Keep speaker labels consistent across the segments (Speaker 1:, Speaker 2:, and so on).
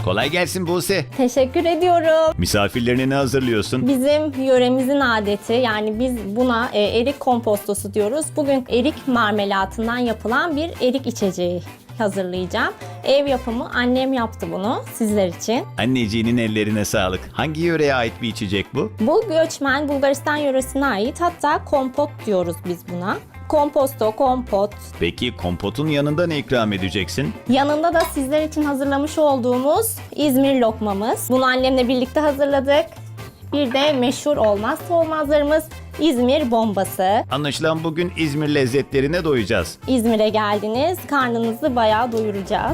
Speaker 1: Kolay gelsin Buse.
Speaker 2: Teşekkür ediyorum.
Speaker 1: Misafirlerine ne hazırlıyorsun?
Speaker 2: Bizim yöremizin adeti, yani biz buna erik kompostosu diyoruz. Bugün erik marmelatından yapılan bir erik içeceği hazırlayacağım. Ev yapımı, annem yaptı bunu sizler için.
Speaker 1: Anneciğinin ellerine sağlık. Hangi yöreye ait bir içecek bu?
Speaker 2: Bu göçmen Bulgaristan yöresine ait, hatta kompot diyoruz biz buna. Komposto, kompot.
Speaker 1: Peki kompotun yanında ne ikram edeceksin?
Speaker 2: Yanında da sizler için hazırlamış olduğumuz İzmir lokmamız. Bunu annemle birlikte hazırladık. Bir de meşhur olmazsa olmazlarımız İzmir bombası.
Speaker 1: Anlaşılan bugün İzmir lezzetlerine doyacağız.
Speaker 2: İzmir'e geldiniz, karnınızı bayağı doyuracağız.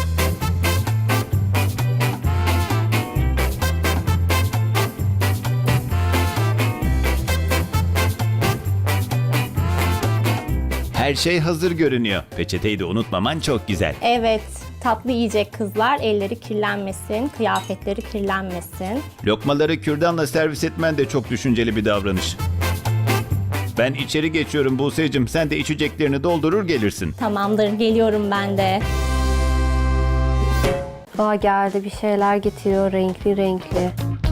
Speaker 1: Her şey hazır görünüyor. Peçeteyi de unutmaman çok güzel.
Speaker 2: Evet, tatlı yiyecek kızlar, elleri kirlenmesin, kıyafetleri kirlenmesin.
Speaker 1: Lokmaları kürdanla servis etmen de çok düşünceli bir davranış. Ben içeri geçiyorum Buse'cim. Sen de içeceklerini doldurur gelirsin.
Speaker 2: Tamamdır, geliyorum ben de.
Speaker 3: Aa, geldi, bir şeyler getiriyor renkli renkli.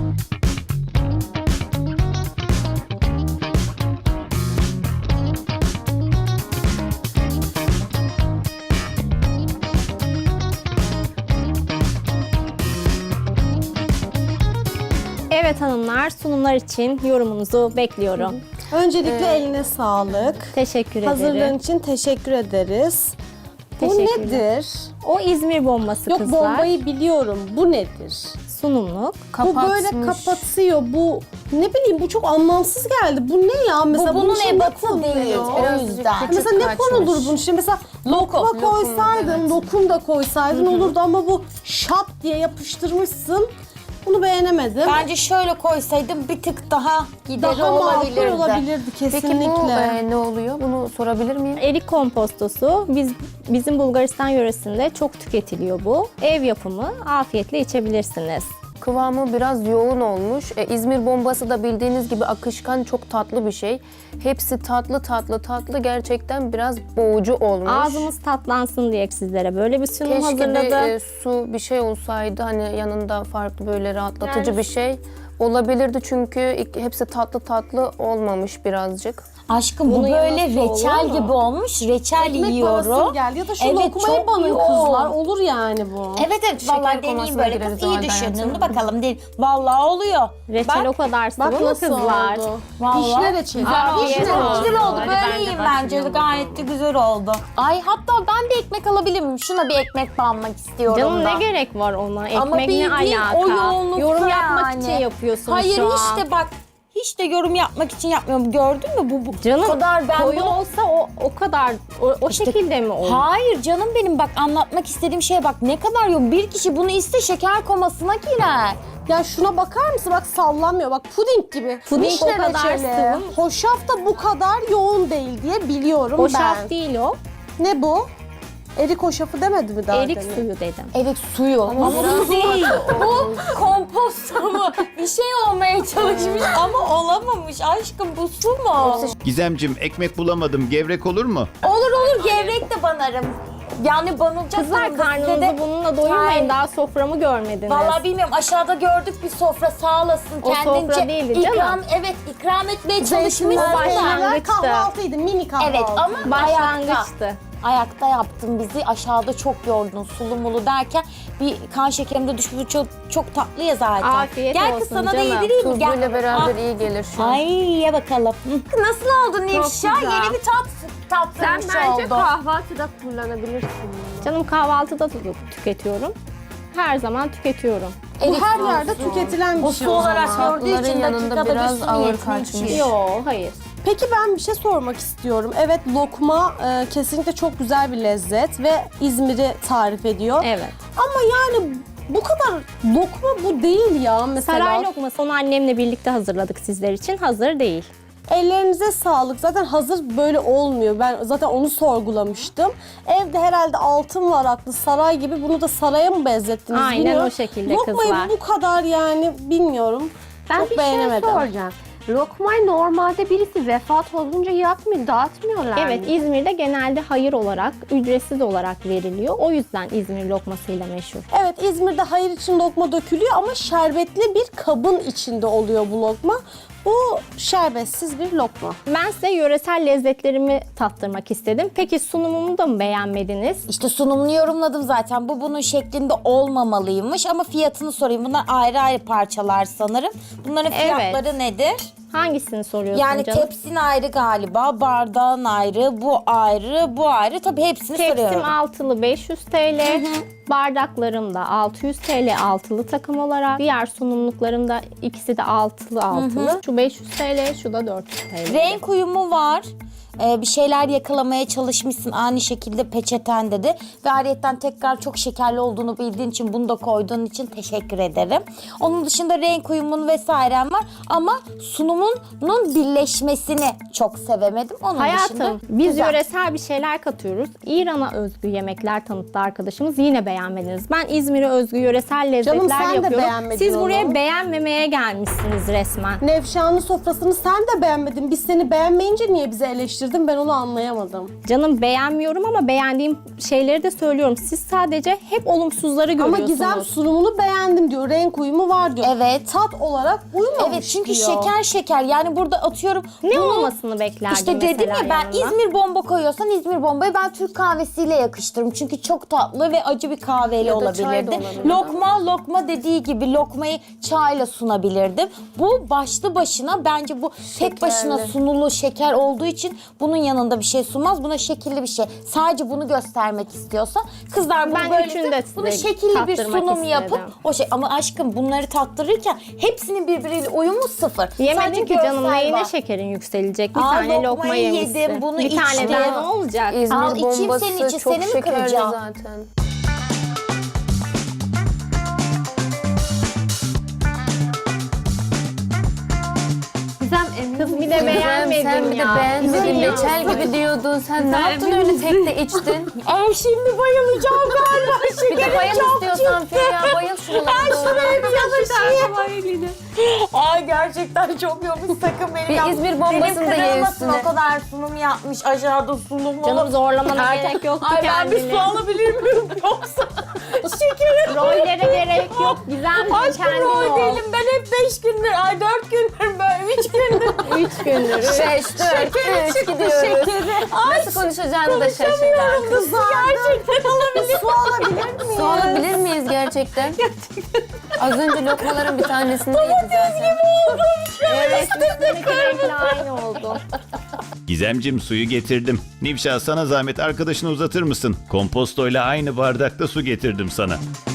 Speaker 2: Evet hanımlar, sunumlar için yorumunuzu bekliyorum.
Speaker 4: Öncelikle eline sağlık.
Speaker 2: Teşekkür ederim.
Speaker 4: Hazırlığın için teşekkür ederiz. Bu
Speaker 2: Teşekkürler.
Speaker 4: nedir?
Speaker 2: O İzmir bombası
Speaker 4: Yok,
Speaker 2: kızlar.
Speaker 4: bombayı biliyorum. Bu nedir?
Speaker 2: Sunumluk.
Speaker 4: Bu böyle kapatıyor. Bu ne bileyim, bu çok anlamsız geldi. Bu ne ya? Mesela
Speaker 5: bunun
Speaker 4: içine
Speaker 5: ebatı
Speaker 4: konuluyor?
Speaker 5: değil, o yüzden.
Speaker 4: Mesela ne konulur bunun içine? Mesela lokma koysaydın, lokum da koysaydın olurdu ama bu şap diye yapıştırmışsın. Bunu beğenemedim.
Speaker 5: Bence şöyle koysaydım bir tık daha gideri
Speaker 4: Daha makul
Speaker 5: olabilirdi.
Speaker 4: olabilirdi kesinlikle.
Speaker 3: Peki bu ne oluyor? Bunu sorabilir miyim?
Speaker 2: Erik kompostosu bizim Bulgaristan yöresinde çok tüketiliyor bu. Ev yapımı, afiyetle içebilirsiniz.
Speaker 3: Kıvamı biraz yoğun olmuş. İzmir bombası da bildiğiniz gibi akışkan, çok tatlı bir şey. Hepsi tatlı tatlı tatlı, gerçekten biraz boğucu olmuş.
Speaker 2: Ağzımız tatlansın diye sizlere böyle bir sunum
Speaker 3: Keşke
Speaker 2: hazırladım.
Speaker 3: bir su bir şey olsaydı, hani yanında farklı böyle rahatlatıcı
Speaker 2: Yani-
Speaker 3: bir şey olabilirdi, çünkü hepsi tatlı tatlı olmamış birazcık.
Speaker 5: Aşkım bu
Speaker 2: Bunun
Speaker 5: böyle
Speaker 2: yanında
Speaker 5: reçel
Speaker 2: olur mu?
Speaker 5: gibi olmuş. Reçel
Speaker 4: Ekmek parası
Speaker 5: yiyorum.
Speaker 4: geldi ya da şu
Speaker 5: Evet,
Speaker 4: lokmayı
Speaker 5: çok
Speaker 4: banın
Speaker 5: yoğun.
Speaker 4: kızlar. Olur yani bu.
Speaker 5: Evet evet vallahi deneyeyim
Speaker 3: komasına
Speaker 5: böyle
Speaker 3: gireriz
Speaker 5: kız,
Speaker 3: o
Speaker 5: iyi
Speaker 3: halde
Speaker 5: düşündün.
Speaker 3: hayatım.
Speaker 5: Dur bakalım değil. Vallahi oluyor.
Speaker 2: Reçel o kadar
Speaker 4: Bak
Speaker 2: sıvı mı
Speaker 4: nasıl
Speaker 2: kızlar?
Speaker 4: oldu.
Speaker 5: Vallahi.
Speaker 4: Vişne reçeli.
Speaker 2: Afiyet
Speaker 5: Güzel,
Speaker 2: olsun.
Speaker 5: güzel oldu.
Speaker 2: Hadi
Speaker 5: Böyle
Speaker 2: ben de
Speaker 5: yiyeyim bence de. Gayet de güzel oldu. Ay hatta ben bir ekmek alabilir miyim? Şuna bir ekmek banmak istiyorum
Speaker 2: Canım
Speaker 5: da.
Speaker 2: ne gerek var ona?
Speaker 5: Ama
Speaker 2: Ekmek ne
Speaker 5: bildiğin
Speaker 2: alaka?
Speaker 5: o yoğunlukta
Speaker 2: Yorum yapmak
Speaker 5: yani.
Speaker 2: için yapıyorsun
Speaker 5: Hayır
Speaker 2: şu an.
Speaker 5: hiç de bak hiç de yorum yapmak için yapmıyorum. Gördün mü bu
Speaker 2: Canım
Speaker 5: kadar ben
Speaker 2: koyu
Speaker 5: bunu-
Speaker 2: olsa o kadar o
Speaker 5: İşte-
Speaker 2: şekilde mi olur?
Speaker 5: Hayır canım benim bak anlatmak istediğim şeye bak ne kadar yok. Bir kişi bunu iste şeker komasına girer.
Speaker 4: Ya şuna bakar mısın? Bak sallanmıyor. Bak puding gibi.
Speaker 2: Puding
Speaker 4: Vişne
Speaker 2: o kadar
Speaker 4: reçeli.
Speaker 2: sıvı mı?
Speaker 4: Hoşaf da bu kadar yoğun değil diye biliyorum
Speaker 2: O
Speaker 4: ben.
Speaker 2: şaf değil o.
Speaker 4: Ne bu? Erik hoşafı demedi mi daha
Speaker 2: Erik
Speaker 4: demin?
Speaker 2: suyu dedim.
Speaker 5: Evet suyu. Ama bu değil. Bu komposto mu? Bir şey olmaya çalışmış ama olamamış. Aşkım bu su mu?
Speaker 1: Gizemcim ekmek bulamadım. Gevrek olur mu?
Speaker 5: Olur olur gevrek de banarım. Yani banılacak
Speaker 2: Kızlar
Speaker 5: durumda. Size
Speaker 2: karnınızı
Speaker 5: de-
Speaker 2: bununla doyurmayın.
Speaker 5: Hayır.
Speaker 2: Daha soframı görmediniz.
Speaker 5: Vallahi bilmiyorum aşağıda gördük bir sofra sağ olasın
Speaker 2: O
Speaker 5: kendince
Speaker 2: sofra değildi, canım.
Speaker 5: ikram etmeye
Speaker 4: Zeytinler,
Speaker 5: çalışmışsın da.
Speaker 2: başlangıçtı.
Speaker 4: kahvaltıydı, mini kahvaltı.
Speaker 5: Evet ama ayakta.
Speaker 2: Başlangıçtı.
Speaker 5: Ayakta yaptın bizi aşağıda çok yordun sulu mulu derken bir kan şekerim de düşmüş çok tatlı ya zaten.
Speaker 2: Afiyet
Speaker 5: Gel
Speaker 2: olsun
Speaker 5: kız sana da
Speaker 2: canım.
Speaker 5: yedireyim mi?
Speaker 3: Tuzluyla
Speaker 5: Gel.
Speaker 3: beraber
Speaker 5: Ah.
Speaker 3: iyi gelir şu an.
Speaker 5: Ay ye bakalım. Hı. Nasıl oldu Nevşah?
Speaker 3: güzel.
Speaker 5: Yeni bir tatlıymış oldu.
Speaker 3: kahvaltıda kullanabilirsin.
Speaker 2: Canım kahvaltıda da tüketiyorum. Her zaman tüketiyorum.
Speaker 4: Bu her yerde tüketilen bir
Speaker 5: Bu
Speaker 4: şey
Speaker 5: su
Speaker 4: o
Speaker 5: olarak
Speaker 4: zaman.
Speaker 5: gördüğü için
Speaker 3: Tatlıların yanında
Speaker 5: dakikada bir
Speaker 3: biraz
Speaker 5: su
Speaker 3: ağır
Speaker 5: niyetine
Speaker 3: kaçmış.
Speaker 5: içiyor.
Speaker 2: Yok, hayır.
Speaker 4: Peki ben bir şey sormak istiyorum. Evet, lokma kesinlikle çok güzel bir lezzet ve İzmir'i tarif ediyor.
Speaker 2: Evet.
Speaker 4: Ama yani bu kadar lokma bu değil ya mesela.
Speaker 2: Saray lokması onu annemle birlikte hazırladık sizler için. Hazır değil.
Speaker 4: Ellerinize sağlık. Zaten hazır böyle olmuyor. Ben zaten onu sorgulamıştım. Evde herhalde altın varaklı saray gibi, bunu da saraya mı benzettiniz
Speaker 2: Aynen
Speaker 4: bilmiyorum.
Speaker 2: o şekilde
Speaker 4: Lokmayı
Speaker 2: kızlar.
Speaker 4: bu kadar yani bilmiyorum.
Speaker 3: Ben
Speaker 4: çok
Speaker 3: bir şey
Speaker 4: beğenemedim.
Speaker 3: soracağım.
Speaker 6: lokmayı normalde birisi vefat olunca yakmıyor, dağıtmıyorlar
Speaker 2: Evet,
Speaker 6: mı?
Speaker 2: İzmir'de genelde hayır olarak, ücretsiz olarak veriliyor. O yüzden İzmir lokmasıyla meşhur.
Speaker 4: Evet, İzmir'de hayır için lokma dökülüyor ama şerbetli bir kabın içinde oluyor bu lokma. Bu şerbetsiz bir lokma.
Speaker 2: Ben size yöresel lezzetlerimi tattırmak istedim. Peki sunumumu da mı beğenmediniz?
Speaker 5: İşte sunumunu yorumladım zaten. Bu bunun şeklinde olmamalıymış ama fiyatını sorayım. Bunlar ayrı ayrı parçalar sanırım. Bunların
Speaker 2: Evet.
Speaker 5: fiyatları nedir?
Speaker 2: Hangisini soruyorsun
Speaker 5: Yani
Speaker 2: canım?
Speaker 5: tepsin ayrı galiba, bardağın ayrı, bu ayrı, bu ayrı. Tabii hepsini
Speaker 2: Tepsim
Speaker 5: soruyorum.
Speaker 2: altılı 500 TL, bardaklarım da 600 TL altılı takım olarak. Diğer sunumluklarım da ikisi de altılı. Şu 500 TL, şu da 400 TL.
Speaker 5: Renk uyumu var. Bir şeyler yakalamaya çalışmışsın ani şekilde peçeten dedi. Ve ayrıyetten tekrar çok şekerli olduğunu bildiğin için bunu da koyduğun için teşekkür ederim. Onun dışında renk uyumun vesairem var ama sunumunun birleşmesini çok sevemedim. Onun dışında
Speaker 2: Hayatım, biz
Speaker 5: güzel.
Speaker 2: yöresel bir şeyler katıyoruz. İran'a özgü yemekler tanıttı arkadaşımız. Yine beğenmediniz. Ben İzmir'e özgü yöresel lezzetler
Speaker 4: Canım, sen de
Speaker 2: yapıyorum.
Speaker 4: beğenmedin
Speaker 2: Siz buraya
Speaker 4: onu.
Speaker 2: beğenmemeye gelmişsiniz resmen.
Speaker 4: Nevşan'ın sofrasını sen de beğenmedin. Biz seni beğenmeyince niye bizi eleştirdin? Ben onu anlayamadım.
Speaker 2: Canım, beğenmiyorum ama beğendiğim şeyleri de söylüyorum. Siz sadece hep olumsuzları
Speaker 4: Ama
Speaker 2: görüyorsunuz.
Speaker 4: Gizem sunumunu beğendim diyor. Renk uyumu var diyor.
Speaker 5: Evet.
Speaker 4: Tat olarak uymamış
Speaker 5: Evet çünkü
Speaker 4: diyor.
Speaker 5: şeker yani burada atıyorum.
Speaker 2: Ne
Speaker 5: bunu-
Speaker 2: olmasını beklerdin
Speaker 5: İşte dedim
Speaker 2: mesela
Speaker 5: ya ben
Speaker 2: yanına?
Speaker 5: İzmir bomba koyuyorsan İzmir bombayı ben Türk kahvesiyle yakıştırırım. Çünkü çok tatlı ve acı bir kahveyle
Speaker 3: Ya da çay da
Speaker 5: olabilirdi.
Speaker 3: olabilir.
Speaker 5: Lokma dediği gibi lokmayı çayla sunabilirdim. Bu başlı başına bence bu tek başına sunulu şeker olduğu için bunun yanında bir şey sunmaz. Buna şekilli bir şey. Sadece bunu göstermek istiyorsa kızlar bunu
Speaker 2: Ben
Speaker 5: böyle
Speaker 2: üçünü de size
Speaker 5: bunu şekilli bir
Speaker 2: tattırmak
Speaker 5: sunum yapıp
Speaker 2: istedim.
Speaker 5: o şey ama aşkım bunları tattırırken hepsinin birbiriyle uyumu sıfır.
Speaker 2: Yemedin
Speaker 5: Sadece
Speaker 2: ki canım,
Speaker 5: görsel
Speaker 2: neyine
Speaker 5: var.
Speaker 2: şekerin yükselecek? Bir
Speaker 5: Aa,
Speaker 2: tane lokma
Speaker 5: lokmayı
Speaker 2: yemişsin.
Speaker 5: yedim, bunu
Speaker 2: bir tane
Speaker 5: içtim.
Speaker 2: daha ne olacak?
Speaker 3: İzmir
Speaker 5: Al, içeyim
Speaker 3: bombası
Speaker 5: senin için,
Speaker 3: çok
Speaker 5: seni mi
Speaker 3: şekerli
Speaker 5: kıracağım?
Speaker 3: zaten.
Speaker 6: Gizem emin
Speaker 2: Kız bir de
Speaker 3: Gizem,
Speaker 2: beğenmedim
Speaker 3: sen bir
Speaker 2: ya.
Speaker 3: de beğenmedin.
Speaker 2: Ya.
Speaker 3: Reçel gibi diyordun. Sen ne yaptın öyle tek de içtin?
Speaker 5: Ay şimdi bayılacağım galiba.
Speaker 3: Bir de bayıl istiyorsan Feriha, bayıl şuralara doğru.
Speaker 5: Ay gerçekten çok yomuş, sakın beni
Speaker 3: Bir
Speaker 5: yap.
Speaker 3: İzmir bombasını da ye
Speaker 5: Benim
Speaker 3: üstüne.
Speaker 5: o kadar sunum yapmış, aşağıda sunum
Speaker 2: Canım, zorlamana gerek yoktu
Speaker 5: Ay ben bir
Speaker 2: kendini.
Speaker 5: su alabilir miyim yoksa şekerim.
Speaker 2: Rollere gerek yok. Güzel
Speaker 5: Aşkım
Speaker 2: kendin
Speaker 5: rol
Speaker 2: ol.
Speaker 5: değilim, ben hep 5 gündür, ay 4 gündür böyle 3 gündür.
Speaker 2: 3 gündür.
Speaker 3: 5, 4, 3 gidiyoruz. Nasıl konuşacağını da şaşırdı.
Speaker 5: Su gerçekten alabilir. Su alabilir miyim?
Speaker 3: Su alabilir miyiz gerçekten? Az önce lokmaların bir tanesini de yedi zaten.
Speaker 2: Evet, üstündeki renkle aynı oldu.
Speaker 1: Gizemcim, suyu getirdim. Nivşa, sana zahmet arkadaşını uzatır mısın? Kompostoyla aynı bardakta su getirdim sana.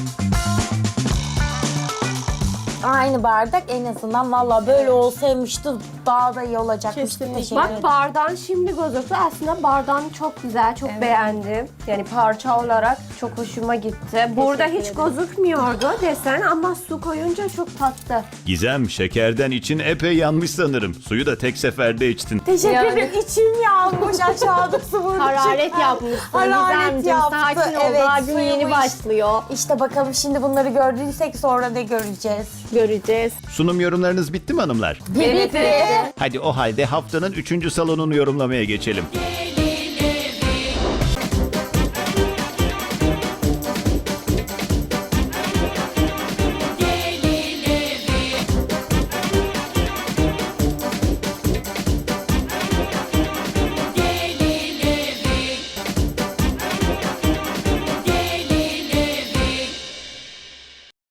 Speaker 5: Aynı bardak en azından, valla böyle olsaymıştı daha da iyi olacakmıştı.
Speaker 4: Kesinlikle.
Speaker 5: Teşekkür
Speaker 6: Bak
Speaker 5: ederim.
Speaker 6: bardağın şimdi gözüktü. Aslında bardağın çok güzel, çok beğendim. Yani parça olarak çok hoşuma gitti. Burada hiç gözükmüyordu desen ama su koyunca çok tatlı.
Speaker 1: Gizem, şekerden için epey yanmış sanırım. Suyu da tek seferde içtin.
Speaker 5: Teşekkür
Speaker 3: Yani.
Speaker 5: ederim. İçim yanmış, aşağıda su vurdu.
Speaker 2: Hararet yapmışsın
Speaker 5: Hararet
Speaker 2: Gizemciğim.
Speaker 5: yaptı,
Speaker 2: Sakin ol.
Speaker 5: evet,
Speaker 2: Daha gün yeni
Speaker 5: suyumu
Speaker 2: başlıyor.
Speaker 5: İşte bakalım şimdi bunları gördüysek sonra ne göreceğiz?
Speaker 2: Göreceğiz.
Speaker 1: Sunum yorumlarınız bitti mi hanımlar?
Speaker 5: Bitti.
Speaker 1: Hadi o halde haftanın 3. salonunu yorumlamaya geçelim.